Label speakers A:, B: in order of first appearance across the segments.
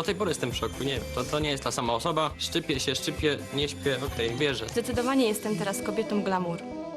A: do tej pory jestem w szoku, nie wiem, to nie jest ta sama osoba. Szczypię się, szczypię, nie śpię, okej, wierzę.
B: Zdecydowanie jestem teraz kobietą glamour.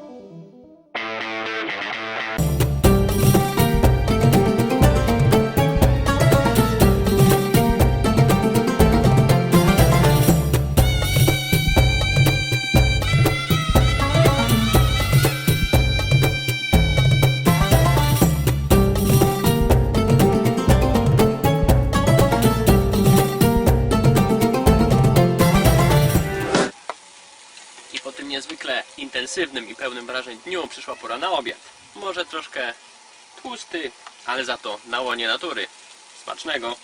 A: I po tym niezwykle intensywnym i pełnym wrażeń dniu przyszła pora na obiad. Może troszkę tłusty, ale za to na łonie natury. Smacznego!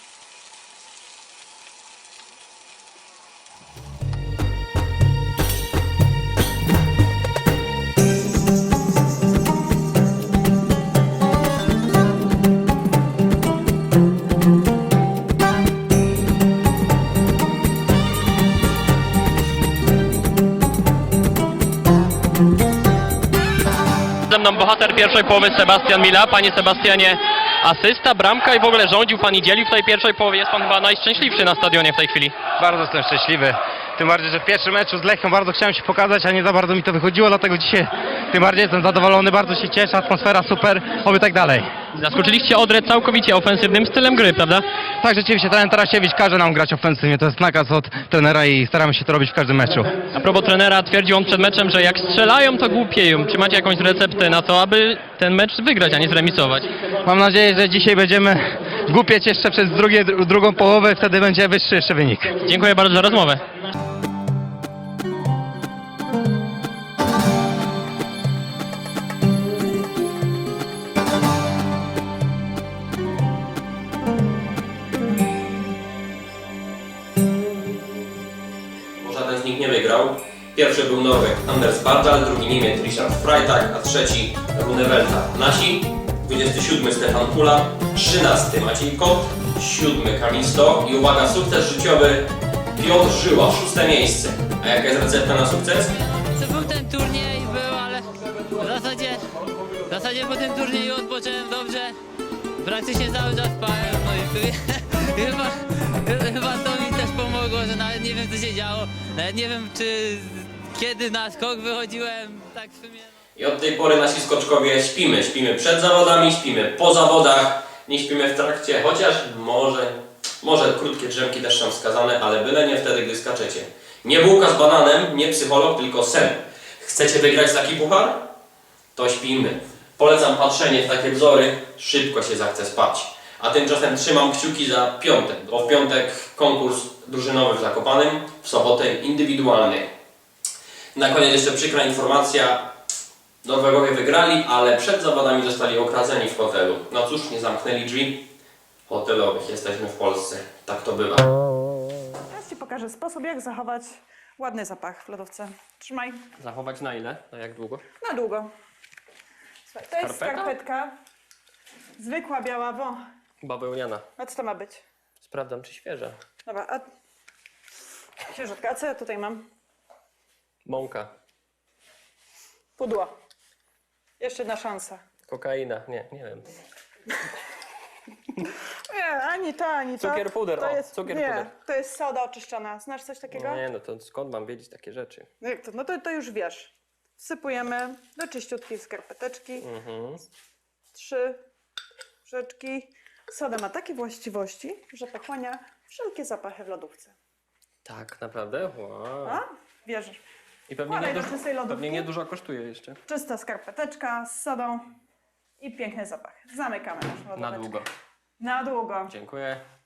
A: Ze mną bohater pierwszej połowy Sebastian Mila. Panie Sebastianie, asysta, bramka i w ogóle rządził pan i dzielił w tej pierwszej połowie. Jest pan chyba najszczęśliwszy na stadionie w tej chwili.
C: Bardzo jestem szczęśliwy. Tym bardziej, że w pierwszym meczu z Lechią bardzo chciałem się pokazać, a nie za bardzo mi to wychodziło, dlatego dzisiaj tym bardziej jestem zadowolony, bardzo się cieszę, atmosfera super, oby tak dalej.
A: Zaskoczyliście Odrę całkowicie ofensywnym stylem gry, prawda?
C: Tak, rzeczywiście, trener Tarasiewicz każe nam grać ofensywnie, to jest nakaz od trenera i staramy się to robić w każdym meczu.
A: A propos trenera, twierdził on przed meczem, że jak strzelają, to głupieją. Czy macie jakąś receptę na to, aby ten mecz wygrać, a nie zremisować?
C: Mam nadzieję, że dzisiaj będziemy głupieć jeszcze przez drugą połowę, wtedy będzie wyższy jeszcze wynik.
A: Dziękuję bardzo za rozmowę. Żaden z nich nie wygrał. Pierwszy był Norweg Anders Bardal, drugi Niemiec Richard Freitag, a trzeci Rune Welta. Nasi 27 Stefan Kula, 13 Maciej Kot, 7 Kamil Sto i uwaga, sukces życiowy Piotr Żyła, 6 miejsce. A jaka jest recepta na sukces?
D: To był ten turniej, ale w zasadzie po tym turnieju odpocząłem dobrze. Praktycznie cały czas spałem, no i chyba to mi też pomogło, że nawet nie wiem co się działo. Nawet nie wiem kiedy na skok wychodziłem, tak w sumie.
A: I od tej pory nasi skoczkowie śpimy. Śpimy przed zawodami, śpimy po zawodach, nie śpimy w trakcie, chociaż może krótkie drzemki też są wskazane, ale byle nie wtedy, gdy skaczecie. Nie bułka z bananem, nie psycholog, tylko sen. Chcecie wygrać taki puchar? To śpimy. Polecam patrzenie w takie wzory, szybko się zachce spać. A tymczasem trzymam kciuki za piątek. W piątek konkurs drużynowy w Zakopanem, w sobotę indywidualny. Na koniec jeszcze przykra informacja. Norwegowie wygrali, ale przed zawodami zostali okradzeni w hotelu. No cóż, nie zamknęli drzwi hotelowych. Jesteśmy w Polsce. Tak to bywa.
E: Teraz Ci pokażę sposób, jak zachować ładny zapach w lodówce. Trzymaj
A: Zachować na ile? Na jak długo?
E: na długo. Słuchaj, to jest
A: Skarpeta?
E: skarpetka. Zwykła, biała,
A: Bawełniana.
E: A co to ma być?
A: Sprawdzam, czy świeża.
E: Dobra, a... Księżutka, a co ja tutaj mam?
A: Mąka.
E: Pudło. Jeszcze jedna szansa.
A: Kokaina. Nie wiem.
E: Nie, ani to, ani to.
A: Cukier puder,
E: To
A: o,
E: jest,
A: cukier
E: nie,
A: puder.
E: to jest soda oczyszczona. Znasz coś takiego?
A: Nie, no to skąd mam wiedzieć takie rzeczy?
E: Jak to? No to już wiesz. Wsypujemy do czyściutkiej skarpeteczki. 3 łyżeczki. Soda ma takie właściwości, że pochłania wszelkie zapachy w lodówce.
A: Tak, naprawdę? Wow.
E: A? Wierzysz?
A: I pewnie
E: Wkładaj do czystej lodówki.
A: pewnie niedużo kosztuje jeszcze.
E: Czysta skarpeteczka z sodą i piękny zapach. Zamykamy naszą lodówkę.
A: Na długo.
E: Na długo.
A: Dziękuję.